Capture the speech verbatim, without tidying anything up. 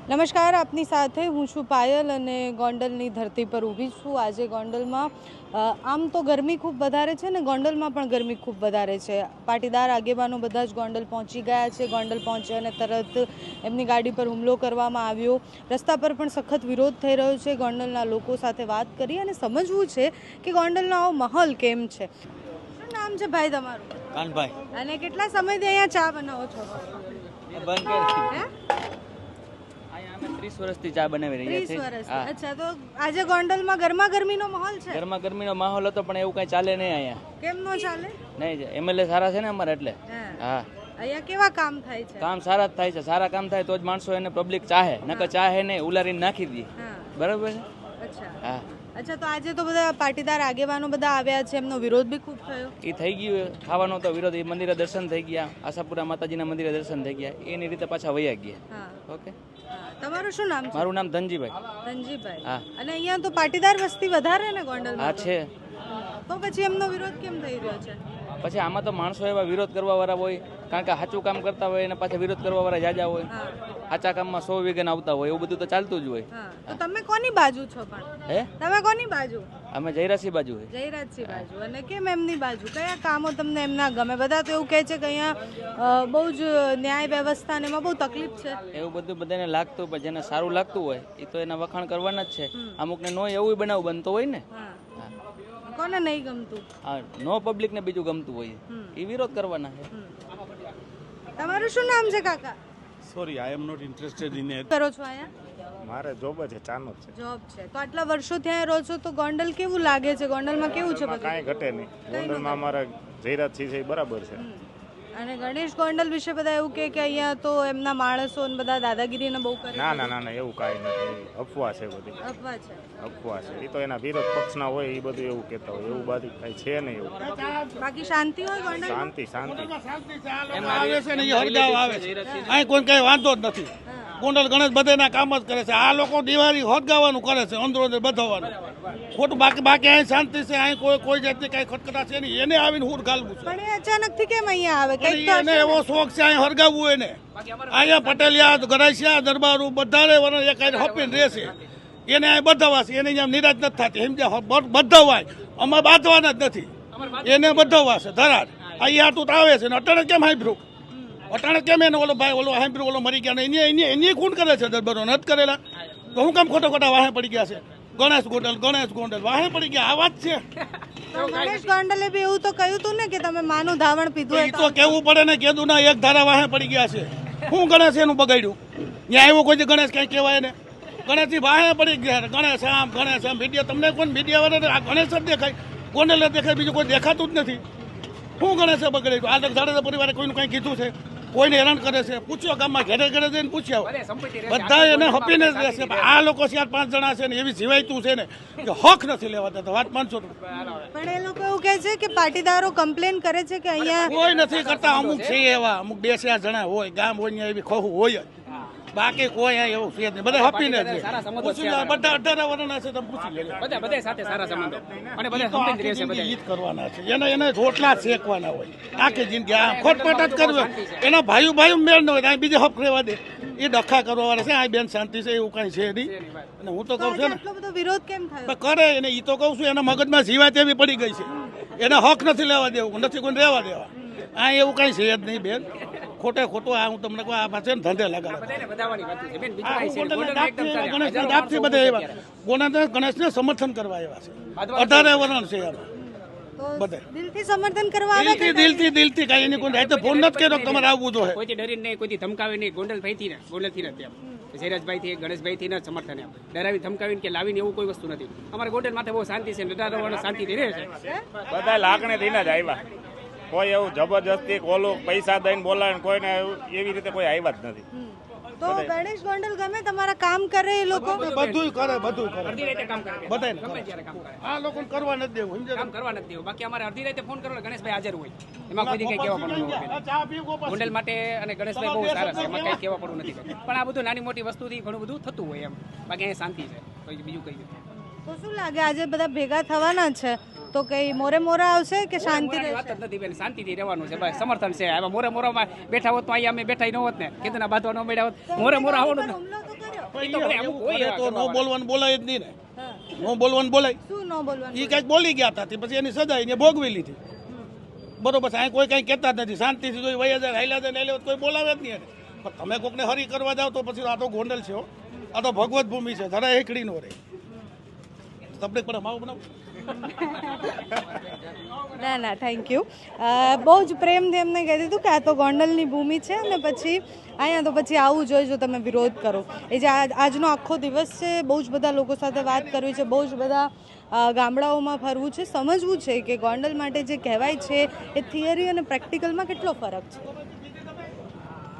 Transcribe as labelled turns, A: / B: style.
A: નમસ્કાર, આપની સાથે હું છું પાયલ અને ગોંડલની ધરતી પર ઊભી છું. આજે ગોંડલમાં આમ તો ગરમી ખૂબ વધારે છે ને ગોંડલમાં પણ ગરમી ખૂબ વધારે છે. પાટીદાર આગેવાનો બધા જ ગોંડલ પહોંચી ગયા છે. ગોંડલ પહોંચ્યા અને તરત એમની ગાડી પર હુમલો કરવામાં આવ્યો. રસ્તા પર પણ સખત વિરોધ થઈ રહ્યો છે. ગોંડલના લોકો સાથે વાત કરી અને સમજવું છે કે ગોંડલનો આવો માહોલ કેમ છે. શું નામ છે ભાઈ તમારું?
B: કાનભાઈ.
A: અને કેટલા સમયથી અહીંયા ચા બનાવો છો?
B: બંધ કરી ત્રીસ વર્ષથી ચા બનાવી રહ્યા
A: ત્રીસ
B: છે.
A: વર્ષથી. અચ્છા, તો આજે ગોંડલમાં ગરમા ગરમીનો માહોલ છે?
B: ગરમા ગરમીનો માહોલ હતો પણ એવું કઈ ચાલે નહીં અહીંયા.
A: કેમ નો ચાલે?
B: નહીં, એમએલએ સારા છે ને અમારે એટલે. હા,
A: અહીંયા કેવા કામ થાય છે?
B: કામ સારા જ થાય છે. સારા કામ થાય તો જ માણસો એને પબ્લિક ચાહે, નકર ચાહે નહીં, ઉલારીને નાખી દે. બરાબર છે.
A: અચ્છા
B: હા.
A: અચ્છા, તો આજે તો બધા પાટીદાર આગેવાનો બધા આવ્યા છે, એમનો વિરોધ બી ખૂબ થયો.
B: એ થઈ ગયું ખાવાનો તો વિરોધ. એ મંદિરે દર્શન થઈ ગયા, આશાપુરા માતાજીના મંદિરે દર્શન થઈ ગયા, એની રીતે પાછા વયા ગયા. ઓકે.
A: તમારું શું નામ છે?
B: મારું નામ ધનજીભાઈ.
A: ધનજીભાઈ.
B: હા.
A: અને અહીંયા તો પાટીદાર વસ્તી વધારે ને ગોંડલમાં?
B: હા છે.
A: તો પછી એમનો વિરોધ કેમ થઈ રહ્યો છે?
B: પછી આમાં તો માણસો એવા વિરોધ કરવા વાળા હોય, કારણ કે સાચું કામ કરતા હોય અને પાછા વિરોધ કરવા વાળા જાજા હોય. સાચા કામમાં સો વિઘન આવતા હોય, એવું બધું તો ચાલતું જ હોય.
A: તો તમે કોની બાજુ છો પણ?
B: હે,
A: તમે કોની બાજુ?
B: અમે જયરાજસિંહ બાજુ હોય.
A: જયરાજસિંહ બાજુ. અને કેમ એમની બાજુ? કયા કામો તમને એમના ગમે? બધા તો એવું કહે છે કે અહીંયા બહુ જ ન્યાય વ્યવસ્થા ને એમાં બહુ તકલીફ છે.
B: એવું બધું બધાને લાગતું હોય, જેને સારું લાગતું હોય એ તો એના વખાણ કરવાના જ છે. અમુકને નો એવું બનાવ બનતો હોય ને.
A: કોને નહીં ગમતું?
B: હા, નો પબ્લિક ને બીજું ગમતું હોય એ વિરોધ કરવાના છે.
A: તમારું શું નામ છે કાકા?
C: Sorry, I am not interested in it.
A: કરો છો અહીંયા?
C: મારે જોબ છે, ચાનો છે.
A: જોબ છે. તો આટલા વર્ષો ત્યાં રહો છો તો ગોંડલ કેવું લાગે છે? ગોંડલમાં કેવું છે બધું?
C: કાંઈ ઘટે નહીં. ગોંડલમાં અમારા જયરાજસિંહ છે એ બરાબર છે.
A: અને ગણેશ ગોંડલ વિશે બધા એવું કહે કે અહીંયા તો એમના માણસો ને બધા દાદાગીરીને બહુ કરે.
C: ના ના ના ના એવું કાંઈ નથી. અફવા છે બધી.
A: અફવા છે.
C: અફવા છે. એ તો એના વિરોધ પક્ષના હોય એ બધું એવું કહેતા હોય. એવું બધું કાંઈ છે નહીં. એવું
A: બાકી શાંતિ હોય ગોંડલ?
C: શાંતિ શાંતિ.
D: આવે છે ને એ હરગાવ આવે છે. અહીં કોઈ કઈ વાંધો જ નથી. ગોંડલ ગણેશ બધાના કામ જ કરે છે. આ લોકો દિવાળી હરગાવાનું કરે છે, અંદરો અંદર બધાવાનું ખોટું. બાકી બાકી અહીં શાંતિ છે. અહીં કોઈ કોઈ જાતની કઈ ખટખટા છે નહીં. એને આવીને હુર ગાલવું છે.
A: પણ એ અચાનક થી કેમ અહીંયા આવે? કઈક તો
D: એને એવો શોખ છે અહીં હરગાવવું. એને અહીંયા પટેલિયા ગરાસિયા દરબારું બધા વરણ એક હપીને રહેશે. એને અહીં બધાવા છે. એને અહીંયા નિરાશ નથી થતી. સમજ્યા? બધાવાય અમારે બાંધવાના જ નથી. એને બધાવા છે ધરાર. અહીંયા તું આવે છે ને અટાણે કેમ હાંભળ્યું? અટાણે કેમ એને ઓલો ભાઈ ઓલો હાંભળ્યું ઓલો મરી ગયા ને એની એની ખૂન કરે છે દરબારો નથી કરેલા. તો હું કામ ખોટા ખોટા વાહે પડી ગયા છે? ગણેશ ગોંડલ ગણેશ ગોંડલ વાહે પડી ગયા. આ વાત છે.
A: ગણેશ ગોંડલે બી એવું તો કહ્યું હતું ને કે તમે માનું ધાવણ પીધું.
D: એ તો કેવું પડે ને, કીધું ના એક ધારા વાહે પડી ગયા છે. હું ગણેશ એનું બગાડ્યું? ત્યાં આવ્યો કોઈ ગણેશ કઈ કહેવાય ને? ગણેશથી વાહે પડી ગયા. ગણેશ આમ ગણેશ આમ મીડિયા તમને કોઈ મીડિયા વાળા આ ગણેશ જ દેખાય, ગોંડલ દેખાય, બીજું કોઈ દેખાતું જ નથી. હું ગણેશે બગડ્યું? આ જાડેજા પરિવારે કોઈનું કઈ કીધું છે? કોઈને હેરાન કરે છે? પૂછ્યો ગામમાં ઘરે ઘરે જઈને પૂછ્યા બધા એને હપીને જ રહેશે. આ લોકો ચાર પાંચ જણા છે ને એવી જીવાયતું છે ને કે હક નથી લેવા દેતા. વાત માનશો?
A: પણ એ લોકો એવું કહે છે કે પાટીદારો કમ્પ્લેન કરે છે કે અહીંયા
D: કોઈ નથી કરતા. અમુક છે એવા, અમુક બે ચાર જણા હોય ગામ હોય એવી ખોખું હોય જ. બાકી કોઈ એવું છે નહીં. બધા હપીને જ બધા અઢાર વર્ષના છે. તમે પૂછી લેજો.
E: બધા બધા સાથે સારા સંબંધો અને બધા સંબંધ રહેશે. બધા
D: ઈદ કરવાના છે. એને એને રોટલા શેકવાના હોય આખી જિંદગી. આ ખોટપટ જ કરવું. એના ભાઈઓ ભાઈઓ મેળ ન હોય બીજે હપ રહેવા દે. એ ડખા કરવા વાળા છે. આ બેન શાંતિ છે એવું કઈ છે નહીં. અને હું તો કઉ છું ને
A: આટલો બધો વિરોધ કેમ થયો?
D: કરે એને. એ તો કઉ છું એના મગજમાં જીવાત એવી પડી ગઈ છે. એને હક નથી લેવા દેવું, નથી કોઈ રહેવા દેવા. આ એવું કઈ છે જ નહીં બેન. ખોટે ખોટું આ હું તમને કહું આ પાસે ધંધે લગાડે. ગણેશને સમર્થન કરવા આવ્યા છે. અઢારે વરણ છે એમાં બધા
A: દિલથી સમર્થન કરવા આવે
D: દિલથી દિલથી દિલથી કઈ એની કોઈ રાતે ફોન નથી કર્યો તમારે આવવું જોઈએ.
E: કોઈથી ડરીને નહીં, કોઈથી ધમકાવી નહીં. ગોંડલ ભાઈ થી ને ગોંડલ થી નથી. જયરાજભાઈ થી ગણેશભાઈ થી ને સમર્થન એમ ડરાવી ધમકાવીને કે લાવીને એવું કોઈ વસ્તુ નથી. અમારે ગોંડલ માથે બહુ શાંતિ છે. ડરાવવાનો શાંતિથી રહે છે.
C: બધા લાગણી થઈને જ આવ્યા. કોઈ એવું જબરજસ્તી ઓલું પૈસા દઈને બોલાવે કોઈને એવી રીતે કોઈ આવ્યા જ નથી.
A: તો ગણેશ ગોંડલ ગમે તમારા કામ કરે એ લોકો?
D: બધું કરે બધું કરે
E: અડધી રાતે કામ કરે
D: બધાને
E: ગમે ત્યારે કામ કરે.
D: આ લોકોને કરવા નથી દેવું. સમજ્યા?
E: કામ કરવા નથી દેવું. બાકી અમારે અડધી રાતે ફોન કરો ગણેશભાઈ હાજર હોય. એમાં કોઈ કઈ કહેવા પડવું ન હોય.
D: ચા પીવો
E: ગોંડલ માટે અને ગણેશભાઈ બહુ સારા છે. એમાં કઈ કહેવા પડવું નથી. પણ આ બધું નાની મોટી વસ્તુથી ઘણું બધું થતું હોય એમ. બાકી અહીંયા શાંતિ છે. કોઈ બીજું કઈ નથી.
A: તો શું લાગે આજે બધા ભેગા થવાના છે તો કઈ મોરે મોરા આવશે કે શાંતિ
E: મોરાની વાત જ નથી બેન. શાંતિથી રહેવાનું છે ભાઈ. સમર્થન છે. હવે મોરે મોરામાં બેઠા હોત તો અહીંયા અમે બેઠા ન હોત ને. કીધું ના બાંધવા ન મળ્યા હોત. મોરે મોરા આવવાનું
A: હુમલો તો કર્યો?
E: એ તો બધા અમુક
D: એવું
E: હોય
D: કરે તો
E: એવા
D: નો
E: કરવાવાળા.
D: બોલવાનું બોલાય જ નહીં ને
A: હા.
D: નો બોલવાનું બોલાય
A: શું ન બોલવાનું
D: એ કાંઈક બોલી ગયા હતા તે પછી એની સજા એને ભોગવી લીધી બરોબર છે અહીં કોઈ કાંઈ કહેતા જ નથી શાંતિથી કોઈ વયા જાય હાઈલા જાય હાઈલા જાય, કોઈ બોલાવે જ નહીં એને. પણ તમે કોકને હરી કરવા જાઓ તો પછી આ તો ગોંડલ છે હો. આ તો ભગવત ભૂમિ છે જરા એકડી નો રહે તમને પણ માવો બનાવો
A: ના ના થેન્ક યુ બહુ જ પ્રેમથી એમને કહી દીધું કે આ તો ગોંડલની ભૂમિ છે અને પછી અહીંયા તો પછી આવું જોઈએ જો તમે વિરોધ કરો એ જે આજ આજનો આખો દિવસ છે બહુ જ બધા લોકો સાથે વાત કરવી છે બહુ જ બધા અ, ગામડાઓમાં ફરવું છે સમજવું છે કે ગોંડલ માટે જે કહેવાય છે એ થિયરી અને પ્રેક્ટિકલમાં કેટલો ફરક છે